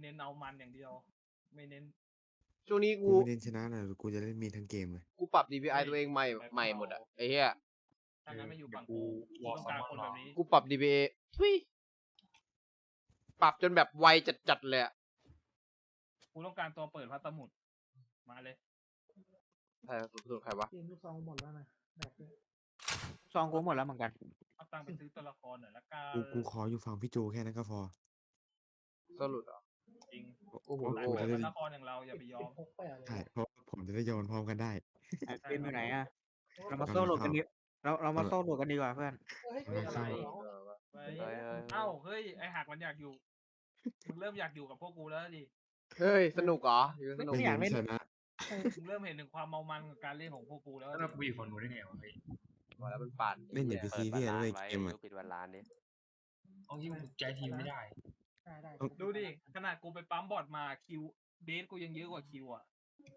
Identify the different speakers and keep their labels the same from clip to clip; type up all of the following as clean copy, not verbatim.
Speaker 1: เน้นเอามันอย่างเดียวไม่เน้น
Speaker 2: ช่วงนี้
Speaker 3: กูไม่เล่นชนะนะกูจะเล่นมีทั้งเกมเลย
Speaker 2: กูปรับ DPI ตัวเองใหม่หมดอะไอ้เหี้ย
Speaker 1: ถ้างั้นไม่อยู่ฝั่งกูต้องการคนแบบนี้
Speaker 2: กูปรับ DPI ทุยปรับจนแบบไวจัดเลยอะ
Speaker 1: กูต้องการตัวเปิดพัสมุดมาเลย
Speaker 2: ใครสุดใครวะ
Speaker 4: เกมลูกซองหมดแล้วนะแบกด้วย
Speaker 5: ซองกูหมดแล้วเหมือนกัน
Speaker 1: เอาตังค์ไปซื้อตัวละครหน่อยละกัน
Speaker 3: กูขออยู่ฝั่งพี่โจแค่นั้นก็พอ
Speaker 2: สรุปเหรอ
Speaker 1: จริง
Speaker 2: โอ้โห
Speaker 1: สายเปิดตัวละครอย่างเราอย่าไปยอม
Speaker 4: พกไปอะไร
Speaker 3: ใช่เพราะผมจะได้โยนพร้อมกันได้
Speaker 5: เกมอยู่ไหนอะเรามาโซ่โหลดกันดีเรามาโซ่โหลดกันดีกว่าเพื่อน
Speaker 4: เฮ้ย
Speaker 1: อะไร
Speaker 2: เฮ้ย
Speaker 1: เอ้าเฮ้ยไอหักมันอยากอยู่มึงเริ่มอยากอยู่กับพวกกูแล้วดิ
Speaker 2: เฮ้ยสนุกเหรอสนุก
Speaker 3: ไม่
Speaker 5: อยากเล่
Speaker 3: เล่
Speaker 5: น
Speaker 3: นชนะ
Speaker 1: มึงเริ่มเห็นถึงความเมามันกับการเล่นของพวกกูแล้ว
Speaker 6: แล้ว
Speaker 1: ดิ
Speaker 6: เราไปอยู่ฝั่งนู้นได้ไงวะเฮ้ย
Speaker 2: มาแล้วมันปั่น
Speaker 3: เล่นอย่าไปซีเรียสเลยเกมอะ
Speaker 7: ปิดวันร้านดิ
Speaker 6: เอาที่มึงใจทีมไม่ได้
Speaker 4: ได้
Speaker 1: ดูดิขนาดกูไปปั๊มบอดมาคิวเบสกูยังเยอะกว่าคิวอ่ะ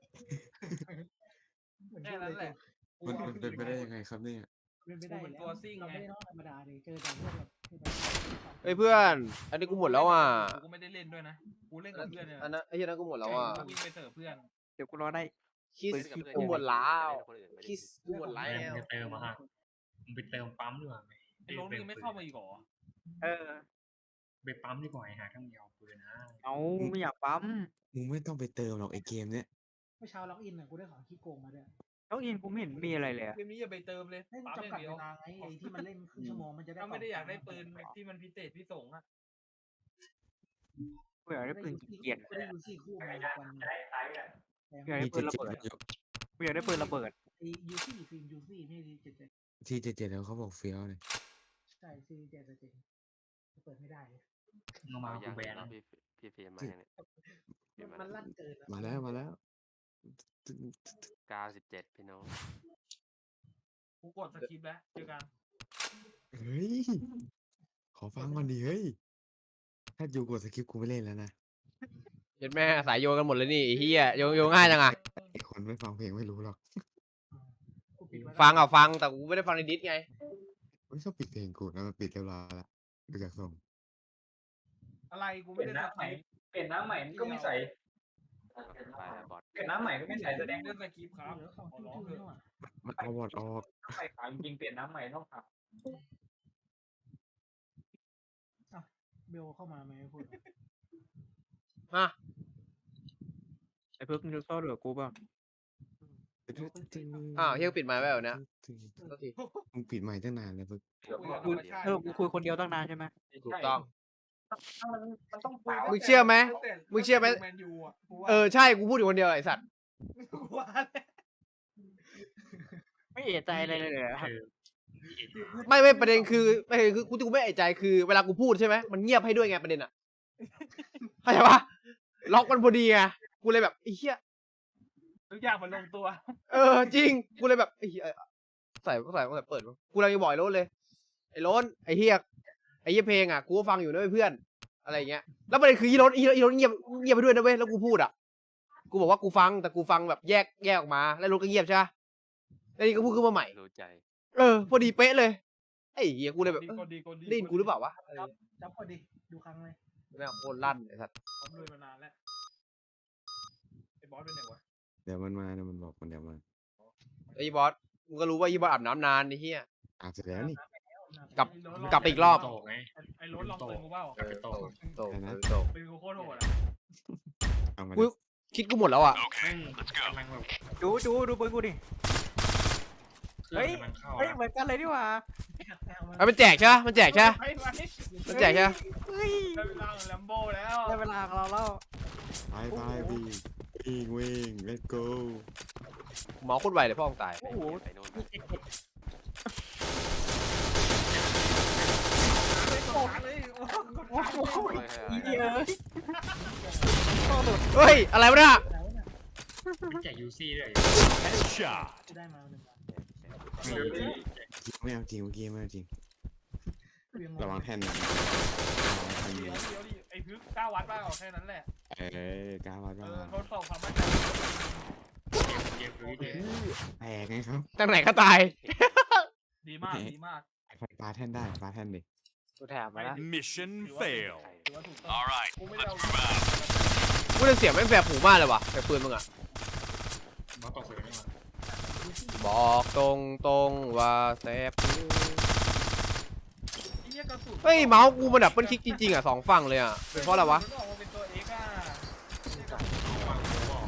Speaker 1: แค่นั้นแหละ
Speaker 3: มันเป็นไปได้ยังไงครับเนี่ย
Speaker 4: เป็นไปได้เราไม่ได้น้องธรรมดาเลยเจอแต่พวกแบบ
Speaker 2: เฮ้ยเพื่อน อันนี้กูหมดแล้วอ่ะ
Speaker 1: กูก็ไม่ได้เล่นด้วยนะกูเล่นกับเพื่อนเนี่ย
Speaker 2: อันนั้นไอ้เหี้ยนั้นกูหมดแล้วอ่ะ
Speaker 1: กูวิ่งไปเสิร์ฟเพื่อน
Speaker 5: เดี๋ยวกูรอได้
Speaker 2: คิส
Speaker 7: เล่นกับเพื่อน
Speaker 2: กูหมดแล้ว
Speaker 7: คนอื่นไม่ได้
Speaker 2: คิสกูหมดแล้ว
Speaker 6: มึงไปเติมมาฮะมึงไปเติมปั๊มดีกว่าไหม
Speaker 1: ไอ้โรนมึงยังไม่เข้ามาอีกเหรอ
Speaker 5: เออ
Speaker 6: ไปปั๊มดีกว่าไอ้หาทั้งเดียวปืนนะ
Speaker 5: เอาไม่อยากปั๊ม
Speaker 3: มึงไม่ต้องไปเติมหรอกไอเกมเนี้ย
Speaker 4: เมื่อเช้าล็อกอินอ่ะกูได้ของขี้โกงมาด้วย
Speaker 5: แล้วอินกูไม่เห็นมีอะไรเลยอะ
Speaker 1: เกมนี้อย่าไปเติมเลย
Speaker 4: ให้
Speaker 1: ปั๊มอย่าง
Speaker 4: จำกัด
Speaker 1: เดีย
Speaker 4: เว
Speaker 1: ว
Speaker 4: ลาไงไอ้ที่มันเล่นครึ่งชั่วโมงมันจะได้
Speaker 1: ถ้าไม่ได้อยากได้ปืนที่มันพิเศษพิสงอ่ะ
Speaker 5: กูอยากได้ปืนเกียร์
Speaker 4: กูได้ยูซี่คู่มาวัน
Speaker 5: อยากได้
Speaker 3: มี
Speaker 5: ปืนระ
Speaker 3: 77
Speaker 5: เบิด
Speaker 3: อยู่
Speaker 5: กูอยากได้ปืนระเบิด
Speaker 4: ไอ้ยูซี่ฟิล์มยูซี่ไม่ดี77
Speaker 3: ที่77แล้วเขาบอกเฟี้ยวเลย
Speaker 4: ใช่ซีเจ็ดเจ็ดเปิดไม่ได้เลย
Speaker 6: มึงมา
Speaker 7: เอา
Speaker 6: กู
Speaker 7: อย่าง
Speaker 6: แบน
Speaker 7: เนาะ
Speaker 6: นะ
Speaker 7: พี่เฟรมมาอย่างเนี้ย
Speaker 4: มันลั่นเกิน
Speaker 3: มาแล้ว
Speaker 7: 97พี่น้อง
Speaker 1: กูกดสคริปต์แล้วเจอกัน
Speaker 3: เฮ้ย ขอฟังก่อนดิเฮ้ย ถ้าอยู่กดสคริปต์กูไม่เล่นแล้วนะ
Speaker 2: เห็นแม่สายโยนกันหมดเลยนี่ไอ้เหี้ยโยนง่ายจังอ่ะ
Speaker 3: ไอคนไม่ฟังเพลงไม่รู้หรอก
Speaker 2: ฟังอ่ะฟังแต่กูไม่ได้ฟังในดิสไง
Speaker 3: ไม่ชอบปิดเพลงกูนะมันปิดเรียบร้อยแล้วดูจากทรง
Speaker 1: อะไรกูไม่ได้สคริปต์
Speaker 6: เปลี่ยนน้ำใหม่ก็ไม่ใส่
Speaker 7: ไปแล้วบอส
Speaker 6: เปลี่ยนน้ำใหม่ก็ไม่ใส่แสดง
Speaker 1: เล่นสคริปต์ครับ
Speaker 4: เหลือของ
Speaker 1: ขอร้อง
Speaker 4: จุ้
Speaker 1: เถ
Speaker 4: ย
Speaker 1: อะ
Speaker 3: มันเอาวอดออก
Speaker 6: ใส่ขาวจริงๆเปลี่ยนน้ำใหม่ต้องขับ
Speaker 4: เบลเข้ามาไหมพูด
Speaker 2: ฮะ
Speaker 5: ไอ้เพิ่งมึงจะโซ่โหลดกูเปล่า
Speaker 2: อ้าวเฮียปิดไมค์ไว้เหรอเนี่ย โทษที
Speaker 3: มึงปิดไมค์ตั้งนานเลยเพิ่ง
Speaker 1: คุยกับธรรมชาติ
Speaker 5: เออกูคุยคนเดียวตั้งนานใช่ไหม
Speaker 2: ถูกต้อง
Speaker 6: มันต้อง
Speaker 2: มึงเชื่อไหมมึงเชื่อไหม
Speaker 1: แมนยูอ่ะกูว่า
Speaker 2: เออใช่กูพูดอยู่คนเดียวไอ้สัตว์
Speaker 1: กูว่า
Speaker 5: ไม่เอะใจอะไรเลยเหรอ
Speaker 2: ไม่ประเด็นคือกูไม่เอะใจคือเวลากูพูดใช่ไหมมันเงียบให้ด้วยไงประเด็นอ่ะเข้าใจปะล็อกมันพอดีไงกูเลยแบบไอ้เหี้ย
Speaker 1: ทุกอย่างมันลงตัว
Speaker 2: เออจริงกูเลยแบบไอ้เหี้ยใส่เปิดกูเลยบอกไอ้โรนเลยไอ้โรนไอ้เหี้ยเพลงอ่ะกูก็ฟังอยู่นะเพื่อนอะไรอย่างเงี้ยแล้วประเด็นคืออีโรนเงียบไปด้วยนะเว้ยแล้วกูพูดอ่ะกูบอกว่ากูฟังแต่กูฟังแบบแยกออกมาแล้วโรนก็เงียบใช่ปะแล้วนี่ก็พูดขึ้นมาใหม่
Speaker 7: รู้ใจ
Speaker 2: เออพอดีเป๊ะเลยไอ้เหี้ยกูเลยแบบ
Speaker 1: กดดีกดดี
Speaker 2: ได้ยินกูหรือเปล่าวะ
Speaker 4: จับพอดีดูครั้งเลย
Speaker 2: แม่งโคตรลั่นไอ้สัส
Speaker 1: พร้อมลุยมานานแล้วไอ้บอสเป็นไงวะ
Speaker 3: เดี๋ยวมันมาเดี๋ยวมันบอกมันเดี๋ยวมา
Speaker 2: ไอ้บอสมึงก็รู้ว่าอีบอสอาบน้ำนานไอ้เหี้ย
Speaker 3: อาบเสร็จแล้วนี่
Speaker 2: กลับไปอีกรอบ
Speaker 6: โตไง
Speaker 1: ไอ้รถลองปืนกูเปล่า
Speaker 6: ไปโต
Speaker 2: โต
Speaker 1: ปืนกูโคตรโหดอ่ะ
Speaker 3: เอามา
Speaker 2: กูคิดกูหมดแล้วอ่ะ
Speaker 6: กำลังแบบ
Speaker 5: ดูปืนกูดิ
Speaker 6: เครื่องกำลังเข้า
Speaker 5: เฮ้ยเหมือนกันเลยดีกว่า
Speaker 2: มันแจกใช่ปะมันแจกใช่ปะ
Speaker 1: ไป
Speaker 2: มันแจกใช่ปะ
Speaker 5: เฮ้ย
Speaker 1: ได้เวลาของแลมโบ้แล้ว
Speaker 5: ได้เวลาของเราแล้ว
Speaker 3: ไปวิ่ง let's go
Speaker 2: หมอโคตรไวเลยพ่อมึงตาย
Speaker 5: โอ้โห
Speaker 7: ไปโน่น
Speaker 5: โอ้โห
Speaker 7: เฮ้ย
Speaker 5: เยอะ
Speaker 2: เฮ้ยอะไรวะเนี่ย
Speaker 4: แล้วเนี่ย
Speaker 6: แจกยูซี่ด้วย
Speaker 4: กูได้มาหนึ่ง
Speaker 3: ไม่เอาจริงเมื่อกี้ไม่เอาจริง
Speaker 4: เวียง
Speaker 3: ระวังแท่นนะ
Speaker 1: เดี๋ยวดิไอ้พึก9 วัตต์ป่ะแค่นั้นแหละ
Speaker 3: กล้าวัดว่า
Speaker 1: ทดสอบความมั่นใจ
Speaker 6: เกมคือเกม
Speaker 3: แตกไงครับ
Speaker 2: ตั้งไหนก็ตาย
Speaker 1: ดีมากดีมาก
Speaker 3: ใครปาแท่นได้ปาแท่นดิ
Speaker 5: กูแถมมาแล้ว
Speaker 8: Mission
Speaker 1: ถือว่า
Speaker 8: failed.
Speaker 1: ถือว่าถูกต้องกูไม่ได้เอา
Speaker 2: กูได้เสียงแม่งแสบหูมากเลยว่ะแต่ปืนมึงอะ
Speaker 6: บอสตกเสือไม่มา
Speaker 2: บอกตรงว่าแสบหู
Speaker 1: ไอ้เหี้ยกระสุน
Speaker 2: เฮ้ยเมาส์กูมันดับเบิลคลิกจริงๆอ่ะสองฝั่งเลยอ่ะเป็นเพราะอะไรวะ
Speaker 1: มันออกมาเป็นตัวเอ็กซ์อ่ะ
Speaker 6: เอาวางโค้บอก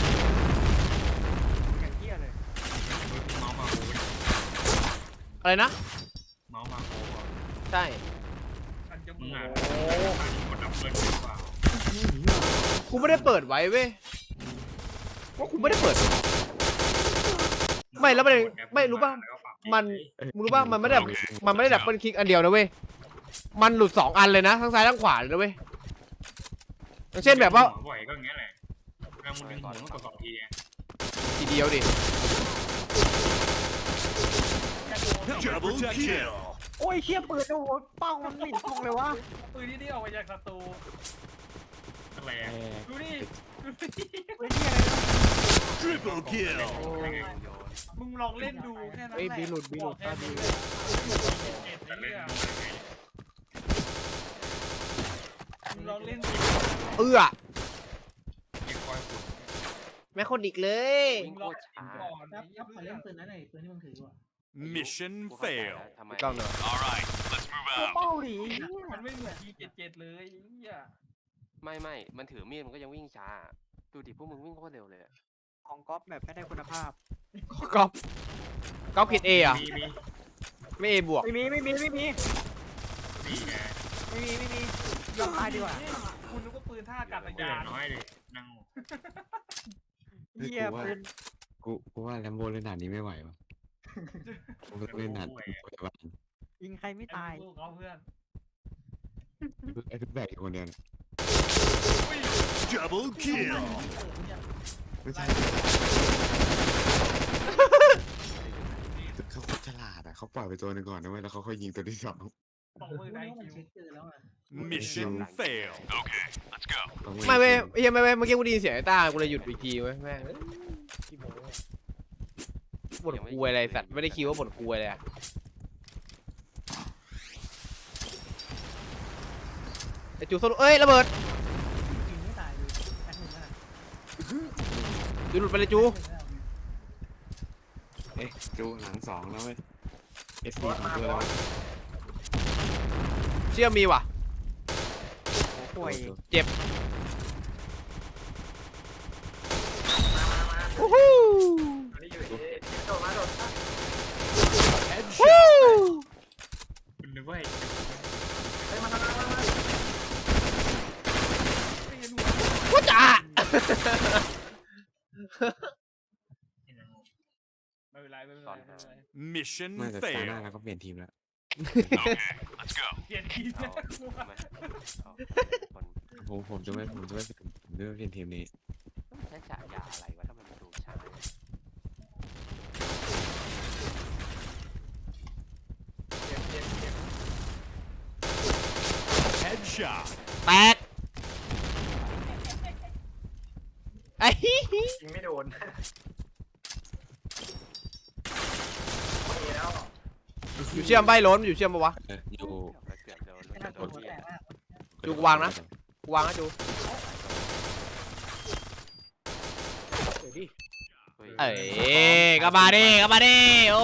Speaker 5: อย่างเที่ยเลย
Speaker 6: เมาส์มาโค้
Speaker 2: อะไรนะ
Speaker 6: เมาส์มาโค้บอก
Speaker 2: ใช่
Speaker 1: มันจะ
Speaker 6: มึ
Speaker 1: มึ
Speaker 6: ง
Speaker 1: ง
Speaker 6: อ่ะ
Speaker 1: อ่ะ
Speaker 6: มันดับเบิลหรือเปล่า
Speaker 2: กูไม่ได้เปิดไว้เว้ยว่ากูไม่ได้เปิด ไม่แล้วประเด็นไม่รู้ป่ะมัน มึงรู้ป่ะมันไม่ได้ดับเบิลคลิกอันเดียวนะเว้ยมันหลุดสองอันเลยนะทั้งซ้ายทั้งขวาเลยนะเว้ยอย่างเช่นแบบว่า
Speaker 6: บ่อยก็อย่างเงี้ยแหละแล้วมึงดึงหัวมันกด2 ทีไง
Speaker 2: ทีเดียวดิ
Speaker 8: Double kill.
Speaker 5: โอ้ยเชี่ยปืนโอ้โหเป้ามันไม่ตรงเลยวะ
Speaker 1: ปืนที่ออกมาจากศัตรู
Speaker 6: อะไร
Speaker 3: แอ
Speaker 6: อ่ะ
Speaker 3: ร์
Speaker 1: ดูดิดูดิ
Speaker 5: ปืนเชี่ยอะไรนะ
Speaker 8: Triple kill.
Speaker 1: มึงลองเล่นดูแค่นั้นแหละ
Speaker 5: เฮ้ยบีหลุด
Speaker 1: บอกแค่นี้เลย
Speaker 6: แต่เล่น
Speaker 1: มึงลองเล่นดู
Speaker 2: เอื้อ
Speaker 6: เก็บคอยฝุ่น
Speaker 2: แม่คนอีกเลย
Speaker 7: วิ่ง
Speaker 1: มึง
Speaker 7: โค
Speaker 1: ลอง
Speaker 7: ตรช้า
Speaker 1: ก่อน
Speaker 4: ครับ
Speaker 1: ไอ้
Speaker 4: ครับขอ
Speaker 1: เหี้
Speaker 4: เล่
Speaker 1: ย
Speaker 4: นปืนนั้นหน่อยปืนที่มึงถืออยู่อะ
Speaker 8: Mission
Speaker 7: กูเข้าใจ
Speaker 8: fail.
Speaker 7: แล้วทำไม
Speaker 2: กล้องหน่อย
Speaker 8: All right, let's move
Speaker 5: ดู
Speaker 8: out.
Speaker 5: เป้าดิไอ้เหี้ย
Speaker 1: มันไม่เหมือน T77 เลยไอ้เหี้ย
Speaker 7: ไม่มันถือมีดมันก็ยังวิ่งช้า ดูดิพวกมึงวิ่งโคตรเร็วเลยอะ
Speaker 5: ของก๊อฟแบบไม่ได้คุณภาพ
Speaker 2: ก๊อฟก๊อฟผิดเออ่ะ
Speaker 6: มี
Speaker 2: ไม่เอบวก
Speaker 5: ไม่มี
Speaker 6: นี่ไง
Speaker 5: ยอมตายดีกว่า
Speaker 1: คุณนึกว่าปืนท่าอากาศ
Speaker 6: เดือย
Speaker 1: าน
Speaker 6: น้อยดินั่ง
Speaker 5: เหี้ยปืน
Speaker 3: กูว่าแลมโบเล่นด่านนี้ไม่ไหววะกูต้องเล่นด่านพยาบาล
Speaker 5: ยิงใครไม่ตาย
Speaker 1: ลูกเขาเพื่อน
Speaker 3: ไอ้ทุกแบกอยู่คนเดียวนะ
Speaker 8: Double kill.
Speaker 3: ไม่ใช่เขาโคตรฉลาดอ่ะเขาปล่อยไปตัวหนึงก่อนนะเว้ยแล้วเขาค่อยยิงตัวที่สอง
Speaker 1: สองมือ
Speaker 4: รู้
Speaker 1: ได้
Speaker 4: ว่ามัน
Speaker 1: คิว
Speaker 4: เช็คเจอแล้วอะ
Speaker 8: Mission fail. Okay, let's go.
Speaker 2: ไม่เว้ยไอ้เหี้ยไม่เว้ยเมื่อกี้กูได้ยินเสียงไอ้ต้ากูเลยหยุดไปอีกทีเว้ยแม่งเอ้ยบ่นกูอะไรสัตว์ไม่ได้คิดว่าบ่นกูอะไรอ่ะไอ้จูโซโลเอ้ยระเบิด
Speaker 4: ยิงไม่ตายเลยแอดหนึ่งอะ
Speaker 2: จูหลุดไปเลยจู
Speaker 3: เอ๊ะจูหลังสองแล้วเว้ยเอฟซีของตัวแล้ว
Speaker 2: เชื่อมีว่ะ
Speaker 5: โอ้ป่วย
Speaker 2: วู้ฮู้
Speaker 6: คุณนึกว่า
Speaker 2: ว้าจ๋า
Speaker 1: ไม่เป็นไรไม่เป็นไรไม่เป็นไร
Speaker 8: Mission
Speaker 3: ไม่แต่ตาหน้า
Speaker 8: fail.
Speaker 3: แล้วก็เปลี่ยนทีมแล้ว
Speaker 8: Okay, let's go.
Speaker 1: เปลี่ยนทีม
Speaker 7: เอา
Speaker 1: นะกู
Speaker 7: ทำไมเอาคน
Speaker 3: ผมจะไม่เปลี่ยนทีมนี้
Speaker 7: ต้องใช้ฉายาอะไรวะถ้ามันดูช้าเนี่ย
Speaker 8: Headshot.
Speaker 2: แตกไอ้
Speaker 5: ยิงไม่โดน
Speaker 2: อยู่เชื่อมใบล้นอยู่เชื่อมปะวะ
Speaker 3: อยู่
Speaker 7: แล้วเกือบโดน
Speaker 4: ไม่
Speaker 7: แล้ว
Speaker 4: น่า
Speaker 7: โด
Speaker 4: ตัวน หัว
Speaker 7: เหี้
Speaker 4: แต
Speaker 7: ย
Speaker 4: กมาก
Speaker 2: จูกูวางนะ กูวางนะจู
Speaker 7: เฮ้ย
Speaker 2: เอ้ยกลับมาดิกลับมาดิโอ้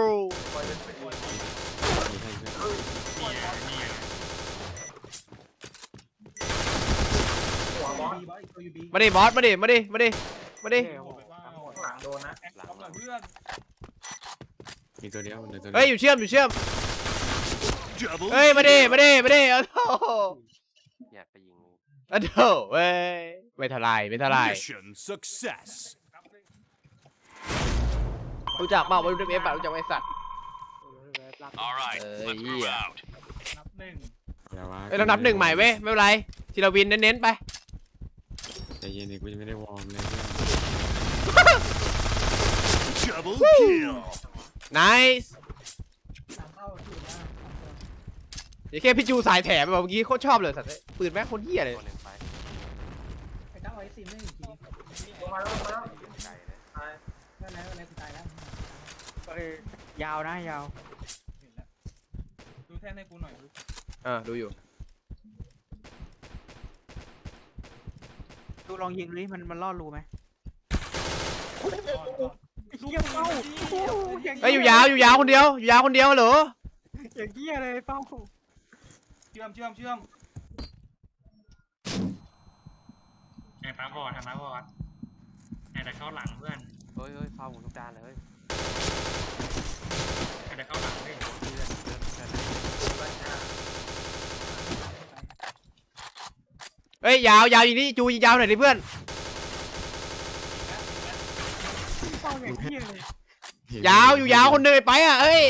Speaker 4: บีบอสอีกตัวอยู่บี
Speaker 2: มาดิบอสมาดิมาดิมาดิมาดิ
Speaker 1: โอ้โหว้าวหลังโดนนะแอคท็อปหน่อยเพื่อน
Speaker 3: มีตัวเดียวมีตัวเดียว
Speaker 2: เฮ้ยอยู่เชื่อมอยู่เชื่อม
Speaker 8: Double
Speaker 2: เฮ้ยมาดิ
Speaker 8: kill.
Speaker 2: มาดิมาดิเอาโถ
Speaker 7: อยากไปยิง
Speaker 2: เอาโถเว้ยไม่เท่าไรไม่เท่าไร
Speaker 8: Mission success.
Speaker 2: รู้จักเปล่าว่าดูเอฟแบบรู้จักไหมไอ้สัตว์
Speaker 8: All right, let's move
Speaker 2: yeah.
Speaker 8: out.
Speaker 1: นับหนึ่ง
Speaker 3: แล้ววะ
Speaker 2: เอ้ยเรานับหนึ่งใหม่เว้ยไม่เป็นไรทีละวินเน้นๆไป
Speaker 3: ใจเย็นดิกูยังไม่ได้วอร์มเลยเพื่อน
Speaker 8: Double kill.
Speaker 2: nice
Speaker 4: สามเข้าถูกแล้ว
Speaker 2: เดี๋ยวแค่พี่จูสายแถมแบบเมื่อกี้โคตรชอบเลยสัตว์เลยปืนแม่งโคนเหี้ยเลย
Speaker 7: ตัวหนึ่งไป
Speaker 4: ไอ้ตั้งไว้ซิมได้อีกที
Speaker 7: ไกลเลย
Speaker 4: นั่นแล้วอะไรกูตายแล้ว
Speaker 5: ยาวนะยาว
Speaker 1: เห็นแล้วดูแท่นให้กูหน่อยดู
Speaker 2: ดูอยู่
Speaker 5: ดูลองยิงดูดิมันล่อรูไหม
Speaker 1: ก่อน
Speaker 5: เหี้ยเป้าโอ้โหอย่าง
Speaker 2: เฮ้ยอยู่ยาวอยู่ยาวคนเดียวอยู่ยาวคนเดียวเหรอ
Speaker 5: อย่างเหี้ยเลยเป้า
Speaker 1: เชื่อม
Speaker 6: ไอ้ป้าบอดทำป้าบอดไอ้แต่เข้าหลังเพื่อน
Speaker 7: เฮ้ยเข้าหมดทุกด้านเลยเฮ้ย
Speaker 6: ไอ้แต่เข้าหลังเพื่อน
Speaker 2: เฮ้ยยาวยิงนี่จูยิงยาวหน่อยดิเพื่อน
Speaker 5: เป้าอย่างเหี้ยเลย
Speaker 3: เห็น
Speaker 2: ยาวอยู่ยาวคนเดินไปอ่ะเอ้ย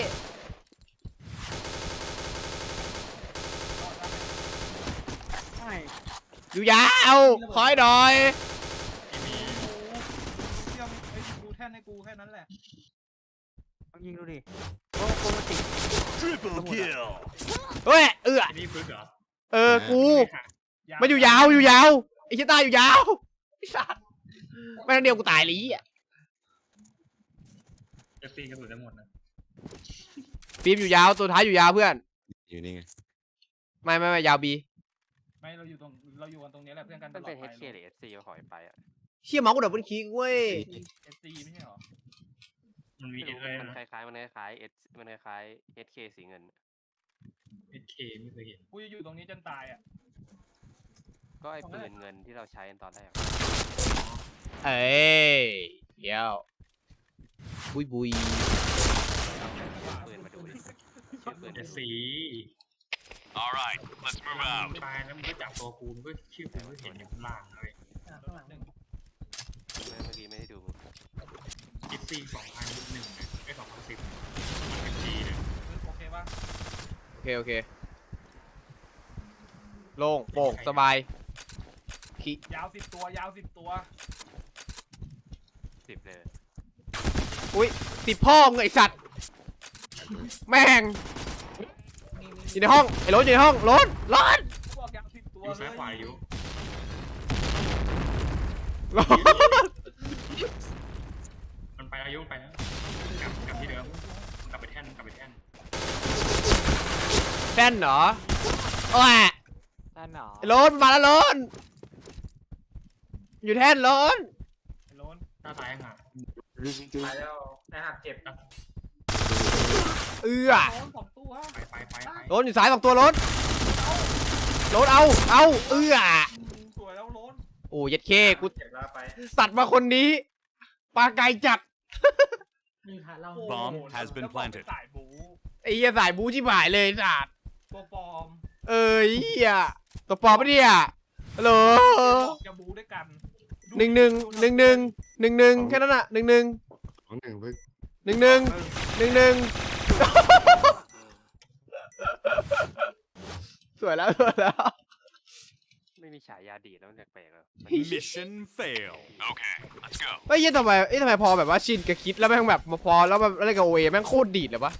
Speaker 5: ใช่
Speaker 2: อยู่ยาวคอยหน่อย
Speaker 6: ที่มี
Speaker 1: เชื่อมดูแท่นให้กูแค่นั้นแหละ
Speaker 5: ลองยิงดูดิโอ้โหติด
Speaker 8: Triple kill.
Speaker 2: เฮ้ย
Speaker 6: ที่นี่พึ่งเหรอ
Speaker 2: กูมันอยู่ยาวไอ้ชิต้าอยู่ยาวไอ้สัสไม่ทันเดียวกูตายเลยอ่ะ
Speaker 6: จะตีกระสุนจะหมดนะ
Speaker 2: ฟิล์มอยู่ยาวตัวท้ายอยู่ยาวเพื่อน
Speaker 3: อยู่นี่ไง
Speaker 2: ไม่ยาวบี
Speaker 1: ไม่เราอยู่กันตรงนี้แหละเพื่อนกันต
Speaker 7: มัน
Speaker 1: ลอ
Speaker 7: เป็
Speaker 1: ด
Speaker 7: น
Speaker 1: ไป
Speaker 7: HK หรือ SC เอาถอยไปอ่ะ
Speaker 2: เชี่ยเมาส์กูดับเบิลคลิกเว้ย
Speaker 1: SC ไม่ใช่หรอ
Speaker 6: มันมี
Speaker 7: ไม่
Speaker 6: เอ
Speaker 7: รู้
Speaker 6: สเลย
Speaker 7: มัน
Speaker 6: นะ
Speaker 7: คล้ายๆมันคล้ายๆ HK สีเงิน
Speaker 6: เอสเคไม่เคยเห็น
Speaker 1: กูจะอยู่ตรงนี้จนตายอ่ะ
Speaker 7: ก็ไอ้ปืนเงินที่เราใช้กันตอนแรก
Speaker 2: เอ้ยเดี๋ยวบุย
Speaker 7: ปืนมาดูดิชื่อปืน
Speaker 6: เอสซี
Speaker 8: All right, let's move out.
Speaker 6: ตายแล้วมึงก็จับตัวกูมึงก็ชื่อกูก็เห็นอยู่ข้างล่างเลย
Speaker 4: ข้างหลัง
Speaker 1: หนึ่ง
Speaker 7: เมื่อกี้ไม่ได้ดูมึง
Speaker 6: เอสซี2001นะไอ้2010มันเป็นจีนะ
Speaker 1: โอเคป่ะ
Speaker 2: โอเคโล่งโปร่งสบายขี้
Speaker 1: ยาว10 ตัว
Speaker 7: 10เลย
Speaker 2: ติดพ่อมึงไอสัตว์แม่งอยู่ในห้องไอ้รถอยู่ในห้องรถ
Speaker 1: พวกยาว10 ตัว
Speaker 6: อยู่
Speaker 1: เล
Speaker 6: ซ้าย
Speaker 1: ย
Speaker 6: ขวาอยู่
Speaker 2: รถ
Speaker 6: มันไปแล้วยุ่งไปแล้วกลับที่เดิมกลับไปแท่น
Speaker 2: แป้นเหรอโอ้ย
Speaker 5: ด้านหนอ
Speaker 2: ไอ้รถมาแล้วรถอยู่แท่นรถ
Speaker 1: ไอ้โลน
Speaker 6: หน้าซ้ายห่าง
Speaker 1: ไปแล้วไอ้หักเจ็บนะ
Speaker 2: เอื้อ
Speaker 1: โลน2 ตัว
Speaker 6: ไป
Speaker 2: รถอยู่ซ้าย2 ตัวรถเอาเอื้อ
Speaker 1: สวยแล้วโลน
Speaker 2: โอ้ยัดเคกู
Speaker 1: เจ็บแล้วไป
Speaker 2: ตัดมาคนนี้ปลาไก่จัด
Speaker 4: นี่ค่ะเรา
Speaker 8: Bomb has been
Speaker 1: แล้วบอก
Speaker 8: planted
Speaker 1: เป็นสายบู
Speaker 2: ไอ้เหี้ยสายบูชิบหายเลยสัตว์
Speaker 1: ตัวปลอม
Speaker 2: เอ้ยเหี้ยตัวปลอมปะเนี่ยฮัลโหล
Speaker 1: บอกจะบูด้วยกัน
Speaker 2: 1 แค่นั้นอ่ะ1
Speaker 3: ของหนึ่งเพิ่ง
Speaker 2: สวยแล้ว
Speaker 7: ไม่มีฉายาดีดแล้วมันแปลกๆเลย
Speaker 8: Mission fail. Okay, let's go.
Speaker 2: เฮ้ยทำไมพอแบบว่าชินกับคิดแล้วแม่งแบบมาพอแล้วแบบอะไรกับโอเอแม่งโคตรดีดเลยวะ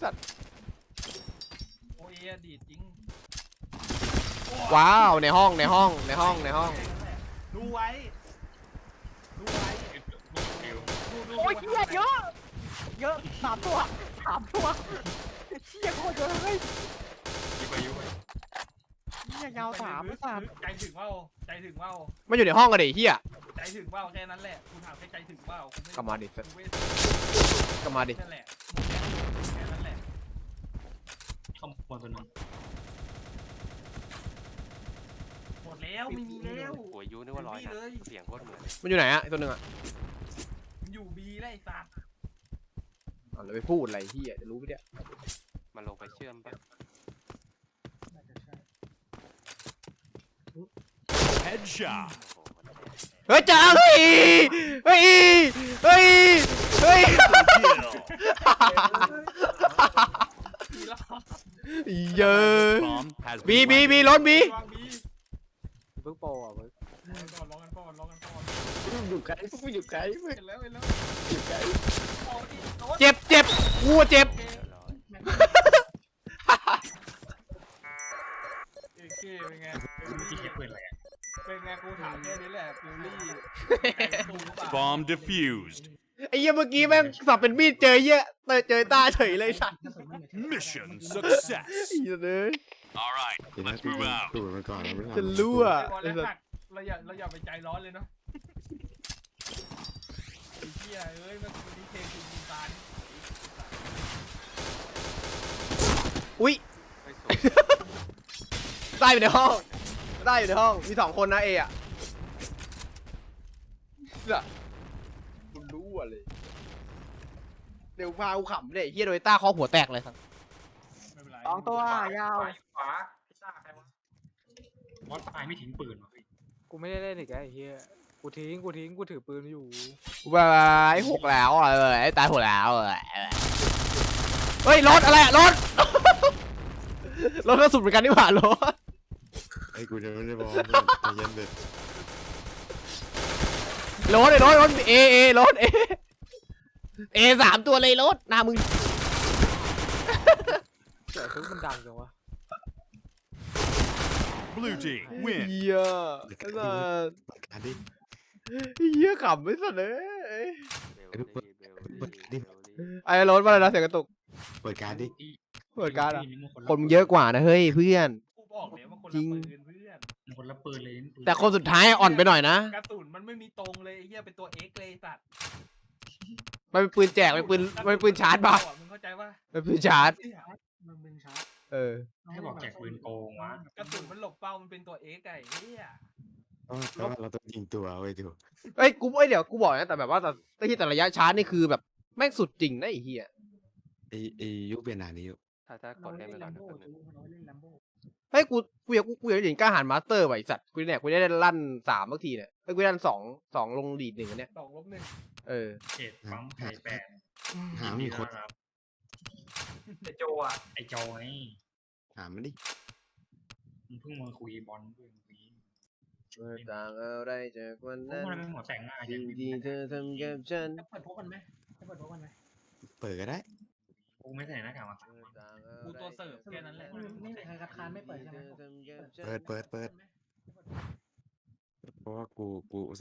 Speaker 1: โอเอดีดจริง
Speaker 2: ว้าวในห้อง
Speaker 1: ดูไว้
Speaker 5: โอ้ยเหี้ยเยอะ3 ตัวเหี้ยโคตรเยอะเลย
Speaker 6: ยุ่งไป
Speaker 5: เหี้ยยาว3ไม่3
Speaker 1: ใจถึงเปล่า
Speaker 2: มันอยู่ในห้องกันดิเฮีย
Speaker 1: ใจถึงเปล่าแค่นั้นแหละกูถามแค่ใจถึงเปล่ากูไม่
Speaker 2: กลับมาดิ
Speaker 1: กูไม่
Speaker 2: กลับมาดิ
Speaker 1: นั่นแหละแค่นั้นแหละ
Speaker 6: ข้างบนตัวนึง
Speaker 1: หมดแล้วไม่มีแล้ว
Speaker 7: หัวยูนึกว่าร้อยนะเสียงโคตรเหมือน
Speaker 2: มันอยู่ไหนอะไอ้ตัวหนึงอะ
Speaker 1: มันอยู่บีแล้วไอ้สัตว์
Speaker 2: อ๋อแล้วไปพูดอะไรเฮียจะรู้ไหมเนี่ย
Speaker 7: มันลงไปเชื่อมปะ
Speaker 4: น่าจะใช่
Speaker 8: Headshot.
Speaker 7: โอ้โหมันแตก
Speaker 2: เฮ้ยจ้าเฮ้ย
Speaker 8: Kill.
Speaker 1: บีแล้ว
Speaker 2: เยอะ
Speaker 8: Bomb has
Speaker 2: บี
Speaker 8: been
Speaker 2: บี
Speaker 8: planted.
Speaker 2: บีล้นบี
Speaker 1: วางบี
Speaker 5: เพิ่งโปรอ่ะเพิ่ง
Speaker 1: รอกันก่อน
Speaker 3: อยู่ไกลพวกกูอยู่ไกลเว้ย
Speaker 1: เห็นแล้ว
Speaker 3: อยู่ไกล
Speaker 1: เอาดิโน้ต
Speaker 2: เจ็บกูเจ็บ
Speaker 7: เรียบร้อย
Speaker 1: เอเคเป็นไง
Speaker 6: ที่คิดปืนอะไรอ่ะ
Speaker 1: เป็นไงกูถามแค่นี้แหละฟิลลี่ตูหรือเปล่า
Speaker 8: Bomb defused.
Speaker 2: ไอ้เหี้ยเมื่อกี้แม่งสับเป็นมีดเจอเหี้ยเจอตาเฉยเลยสัตว์
Speaker 4: กระสุนไม่เหมือน
Speaker 8: Mission success.
Speaker 2: ไอ้เหี้ยเลย
Speaker 8: All right,
Speaker 3: เดี๋ยวนะ
Speaker 8: let's
Speaker 3: กู
Speaker 8: move out.
Speaker 3: ดูมันก่อนแล้วไม่
Speaker 2: จะ
Speaker 3: ทำ
Speaker 2: รู้อะ
Speaker 1: ไอ้บอลแล้วหักเราอย่าไปใจร้อนเลยเนาะไอ้เหี้ยเอ้ยมันมีเพลงยิงตาล
Speaker 2: อุ้ย
Speaker 7: ไม่สูง
Speaker 2: ได้อยู่ในห้องได้อยู่ในห้องมี2 คนนะเออะเสือคุณรู้อะเลยเดี๋ยวพากูขำเลยเฮียโดยต้าเคอหัวแตกเลยครับ
Speaker 1: ไม่เป็นไร
Speaker 5: สองตัวยาว
Speaker 6: ขวาพิซซ่าใครวะมอสตายไม่ทิ้งปืนวะเฮ้ย
Speaker 5: กูไม่ได้เล่นอีกแล้วไอ้เหี้ยกูทิ้งกูถือปืนอยู่
Speaker 2: บายหกแล้วอ่ะตายหกแล้วเฮ้ยรถอะไรอะรถ รถกระสุนเหมือนกันนี่หว่ารถ
Speaker 3: ไอ้กูจะไม่ได้บอกเพื่อนใจเย็นเด็ด
Speaker 2: รถรถเอรถเอ3 ตัวเลยรถหน้ามึง
Speaker 5: แต่คือมันดังจังวะ
Speaker 8: Blue team win.
Speaker 2: เฮียไอ้สัส
Speaker 3: เปิดการดิ
Speaker 2: เฮียขำไม่สัสเลย
Speaker 7: เบลลี่เบลลี่เบลลี่
Speaker 2: ไอ้รถว่าอะไรนะเสียงกระตุก
Speaker 3: เปิดการดิ
Speaker 2: เปิดการ์ดอะ
Speaker 6: นี่มัน
Speaker 2: คนมึงเยอะกว่านะเฮ้ยเพื่อน
Speaker 1: กูบอกเลยว่าคน
Speaker 2: จริ
Speaker 1: ละ
Speaker 2: ง
Speaker 1: ปืนเพื่อน
Speaker 6: มันคนละปืนเลยปืน
Speaker 2: แต่คนสุดท้ายอ่อนไปหน่อยนะ
Speaker 1: กระสุนมันไม่มีตรงเลยไอ้เหี้ยเป็นตัวเอ็กเลยสัตว์
Speaker 2: มันเป็นปืนแจกมันเป็นปืนชาร์จป่ะ
Speaker 1: มึงเข้าใจว่า
Speaker 2: เป็นปืนชาร์จ
Speaker 4: มันมึงชาร์จ
Speaker 2: เออ
Speaker 6: ให้บอกแจกปืนโกงวะ
Speaker 1: กระสุนมันหลบเป้ามันเป็นตัวเอ็กไอ้เหี้ย
Speaker 3: เพราะว่าเราต้องยิงตัวเว้ยดู
Speaker 2: เอ้ยเดี๋ยวกูบอกนะแต่แบบว่าแต่ที่แต่ระยะชาร์จนี่คือแบบแม่งสุดจริงนะไอ้เหี้ย
Speaker 3: ไอ้ยุคเปลี่ยนหนานี้อยู่
Speaker 7: ถ้ากดเล่นไปก่อนนะแป๊บนึง
Speaker 4: เราเล่นแลมโบ้
Speaker 2: เฮ้ยกูอยากเห็นกล้าหาญมาสเตอร์ไว้สัตว์กูเนี่ยกูได้ลั่น3บางทีเนี่ยเฮ้ยกูได้ลั่น2ลงลีด1อันเนี้ย
Speaker 1: 2-1
Speaker 2: เออ
Speaker 6: เขตปั๊มไข่แปด
Speaker 3: หามีคน
Speaker 6: ครับไอโจอ่ะไอโจไง
Speaker 3: หามันดิ
Speaker 6: มึงเพิ่งมาคุยบอลเพิ่งคุย
Speaker 2: เมื่อต่างอะไรจากวัน
Speaker 6: พวก
Speaker 2: นั้น
Speaker 6: มันเป็นหัวแต่งหน้า
Speaker 2: สิ่งที่เธอทำกับฉัน
Speaker 4: จะเปิดพบกันไหมจะเปิดพบกันไหม
Speaker 3: เปิดก็ได้
Speaker 6: กูไม่ใส่หน้ากากมาสามวัน
Speaker 1: กูตัวเสิร์ฟแค่นั้นแหละ
Speaker 4: ไม่มีใครคัดค้านไม่เปิดใช่ไหม
Speaker 3: เปิดเพราะว่ากู